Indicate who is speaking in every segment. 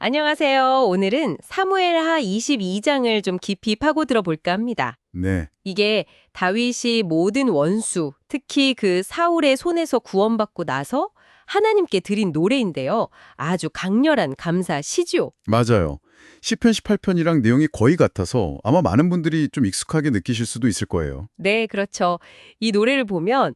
Speaker 1: 안녕하세요. 오늘은 사무엘하 22장을 좀 깊이 파고들어 볼까 합니다.
Speaker 2: 네,
Speaker 1: 이게 다윗이 모든 원수, 특히 그 사울의 손에서 구원받고 나서 하나님께 드린 노래인데요. 아주 강렬한 감사 시죠.
Speaker 2: 맞아요. 시편 18편이랑 내용이 거의 같아서 아마 많은 분들이 좀 익숙하게 느끼실 수도 있을 거예요.
Speaker 1: 네, 그렇죠. 이 노래를 보면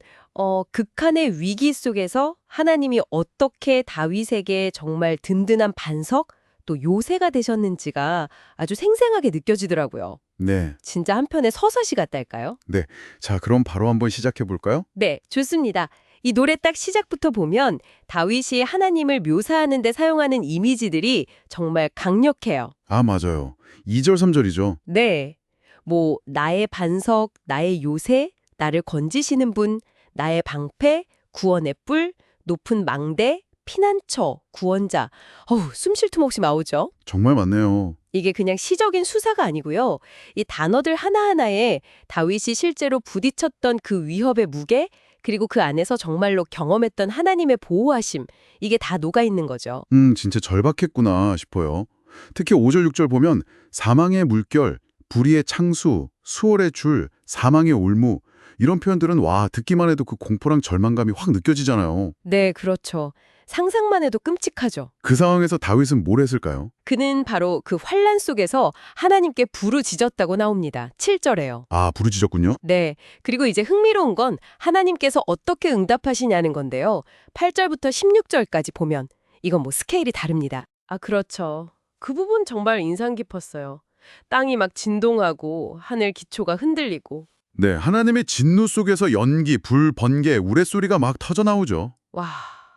Speaker 1: 극한의 위기 속에서 하나님이 어떻게 다윗에게 정말 든든한 반석, 또 요새가 되셨는지가 아주 생생하게 느껴지더라고요.
Speaker 2: 네,
Speaker 1: 진짜 한편의 서사시 같달까요?
Speaker 2: 네. 자, 그럼 바로 한번 시작해 볼까요?
Speaker 1: 네, 좋습니다. 이 노래 딱 시작부터 보면 다윗이 하나님을 묘사하는 데 사용하는 이미지들이 정말 강력해요.
Speaker 2: 아, 맞아요. 2절, 3절이죠.
Speaker 1: 네. 뭐 나의 반석, 나의 요새, 나를 건지시는 분, 나의 방패, 구원의 뿔, 높은 망대, 피난처, 구원자. 숨 쉴 틈 없이 나오죠.
Speaker 2: 정말 맞네요.
Speaker 1: 이게 그냥 시적인 수사가 아니고요. 이 단어들 하나하나에 다윗이 실제로 부딪혔던 그 위협의 무게, 그리고 그 안에서 정말로 경험했던 하나님의 보호하심, 이게 다 녹아 있는 거죠.
Speaker 2: 진짜 절박했구나 싶어요. 특히 5절, 6절 보면 사망의 물결, 불의의 창수, 수월의 줄, 사망의 올무 이런 표현들은 와, 듣기만 해도 그 공포랑 절망감이 확 느껴지잖아요.
Speaker 1: 네, 그렇죠. 상상만 해도 끔찍하죠.
Speaker 2: 그 상황에서 다윗은 뭘 했을까요?
Speaker 1: 그는 바로 그 환란 속에서 하나님께 부르짖었다고 나옵니다. 7절에요.
Speaker 2: 아, 부르짖었군요.
Speaker 1: 네. 그리고 이제 흥미로운 건 하나님께서 어떻게 응답하시냐는 건데요. 8절부터 16절까지 보면 이건 뭐 스케일이 다릅니다. 아, 그렇죠. 그 부분 정말 인상 깊었어요. 땅이 막 진동하고 하늘 기초가 흔들리고.
Speaker 2: 네, 하나님의 진노 속에서 연기, 불, 번개, 우레소리가 막 터져 나오죠.
Speaker 1: 와,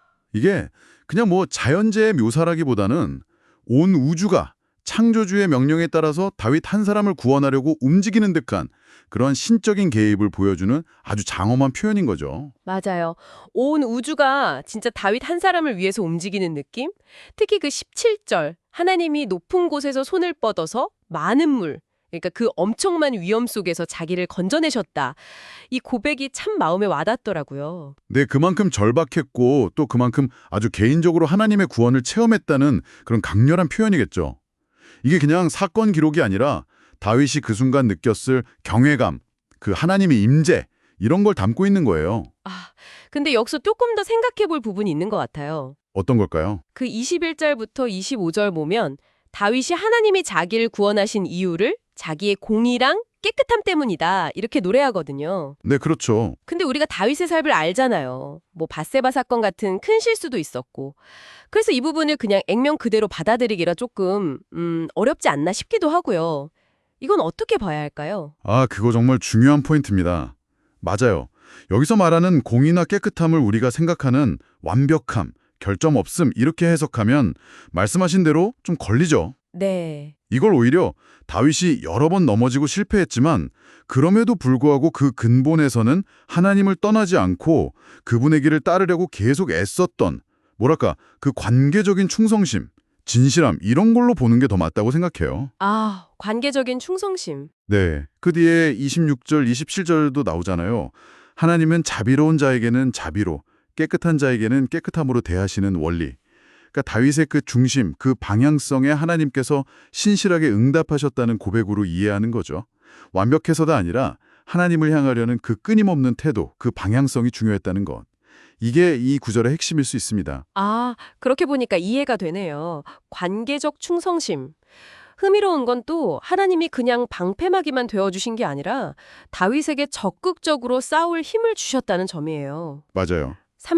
Speaker 2: 이게 그냥 뭐 자연재해 묘사라기보다는 온 우주가 창조주의 명령에 따라서 다윗 한 사람을 구원하려고 움직이는 듯한 그런 신적인 개입을 보여주는 아주 장엄한 표현인 거죠.
Speaker 1: 맞아요. 온 우주가 진짜 다윗 한 사람을 위해서 움직이는 느낌? 특히 그 17절, 하나님이 높은 곳에서 손을 뻗어서 많은 물, 그러니까 그 엄청난 위험 속에서 자기를 건져내셨다. 이 고백이 참 마음에 와닿더라고요.
Speaker 2: 네, 그만큼 절박했고 또 그만큼 아주 개인적으로 하나님의 구원을 체험했다는 그런 강렬한 표현이겠죠. 이게 그냥 사건 기록이 아니라 다윗이 그 순간 느꼈을 경외감, 그 하나님의 임재 이런 걸 담고 있는 거예요.
Speaker 1: 아, 근데 여기서 조금 더 생각해 볼 부분이 있는 것 같아요.
Speaker 2: 어떤 걸까요?
Speaker 1: 그 21절부터 25절 보면 다윗이 하나님이 자기를 구원하신 이유를 자기의 공의랑 깨끗함 때문이다. 이렇게 노래하거든요.
Speaker 2: 네, 그렇죠.
Speaker 1: 근데 우리가 다윗의 삶을 알잖아요. 뭐 밧세바 사건 같은 큰 실수도 있었고. 그래서 이 부분을 그냥 액면 그대로 받아들이기라 조금 어렵지 않나 싶기도 하고요. 이건 어떻게 봐야 할까요?
Speaker 2: 아, 그거 정말 중요한 포인트입니다. 맞아요. 여기서 말하는 공의나 깨끗함을 우리가 생각하는 완벽함, 결점 없음 이렇게 해석하면 말씀하신 대로 좀 걸리죠.
Speaker 1: 네.
Speaker 2: 이걸 오히려 다윗이 여러 번 넘어지고 실패했지만 그럼에도 불구하고 그 근본에서는 하나님을 떠나지 않고 그분의 길을 따르려고 계속 애썼던 뭐랄까 그 관계적인 충성심, 진실함 이런 걸로 보는 게 더 맞다고 생각해요.
Speaker 1: 아, 관계적인 충성심.
Speaker 2: 네, 그 뒤에 26절, 27절도 나오잖아요. 하나님은 자비로운 자에게는 자비로, 깨끗한 자에게는 깨끗함으로 대하시는 원리. 그러니까 다윗의 그 중심, 그 방향성에 하나님께서 신실하게 응답하셨다는 고백으로 이해하는 거죠. 완벽해서가 아니라 하나님을 향하려는 그 끊임없는 태도, 그 방향성이 중요했다는 것. 이게 이 구절의 핵심일 수 있습니다.
Speaker 1: 아, 그렇게 보니까 이해가 되네요. 관계적 충성심. 흥미로운 건 또 하나님이 그냥 방패막이만 되어주신 게 아니라 다윗에게 적극적으로 싸울 힘을 주셨다는 점이에요.
Speaker 2: 맞아요.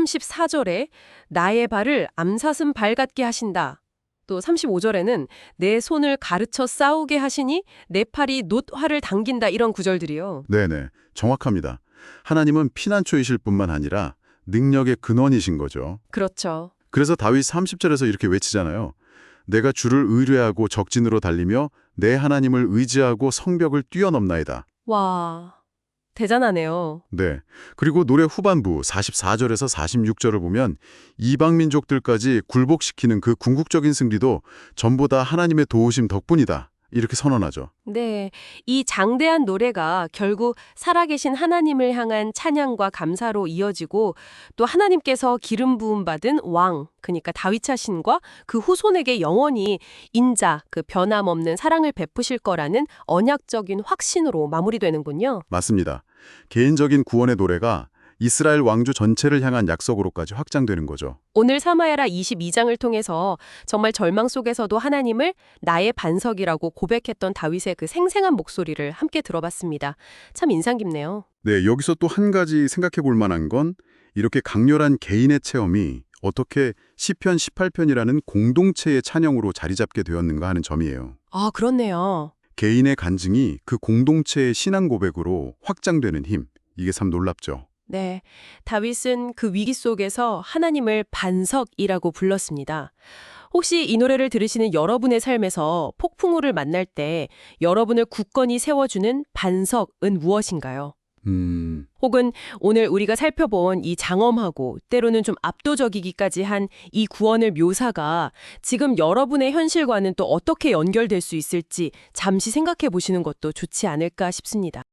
Speaker 1: 34절에 나의 발을 암사슴 발 같게 하신다. 또 35절에는 내 손을 가르쳐 싸우게 하시니 내 팔이 놋화를 당긴다 이런 구절들이요.
Speaker 2: 네네, 정확합니다. 하나님은 피난처이실 뿐만 아니라 능력의 근원이신 거죠.
Speaker 1: 그렇죠.
Speaker 2: 그래서 다윗 30절에서 이렇게 외치잖아요. 내가 주를 의뢰하고 적진으로 달리며 내 하나님을 의지하고 성벽을 뛰어넘나이다.
Speaker 1: 와, 대단하네요.
Speaker 2: 네. 그리고 노래 후반부 44절에서 46절을 보면 이방 민족들까지 굴복시키는 그 궁극적인 승리도 전부 다 하나님의 도우심 덕분이다. 이렇게 선언하죠.
Speaker 1: 네, 이 장대한 노래가 결국 살아계신 하나님을 향한 찬양과 감사로 이어지고 또 하나님께서 기름 부음 받은 왕, 그러니까 다윗 자신과 그 후손에게 영원히 인자, 그 변함없는 사랑을 베푸실 거라는 언약적인 확신으로 마무리되는군요.
Speaker 2: 맞습니다. 개인적인 구원의 노래가 이스라엘 왕조 전체를 향한 약속으로까지 확장되는 거죠.
Speaker 1: 오늘 사마야라 22장을 통해서 정말 절망 속에서도 하나님을 나의 반석이라고 고백했던 다윗의 그 생생한 목소리를 함께 들어봤습니다. 참 인상 깊네요.
Speaker 2: 네, 여기서 또 한 가지 생각해 볼 만한 건 이렇게 강렬한 개인의 체험이 어떻게 시편 18편이라는 공동체의 찬양으로 자리 잡게 되었는가 하는 점이에요.
Speaker 1: 아, 그렇네요.
Speaker 2: 개인의 간증이 그 공동체의 신앙 고백으로 확장되는 힘, 이게 참 놀랍죠.
Speaker 1: 네, 다윗은 그 위기 속에서 하나님을 반석이라고 불렀습니다. 혹시 이 노래를 들으시는 여러분의 삶에서 폭풍우를 만날 때 여러분을 굳건히 세워주는 반석은 무엇인가요? 혹은 오늘 우리가 살펴본 이 장엄하고 때로는 좀 압도적이기까지 한 이 구원의 묘사가 지금 여러분의 현실과는 또 어떻게 연결될 수 있을지 잠시 생각해 보시는 것도 좋지 않을까 싶습니다.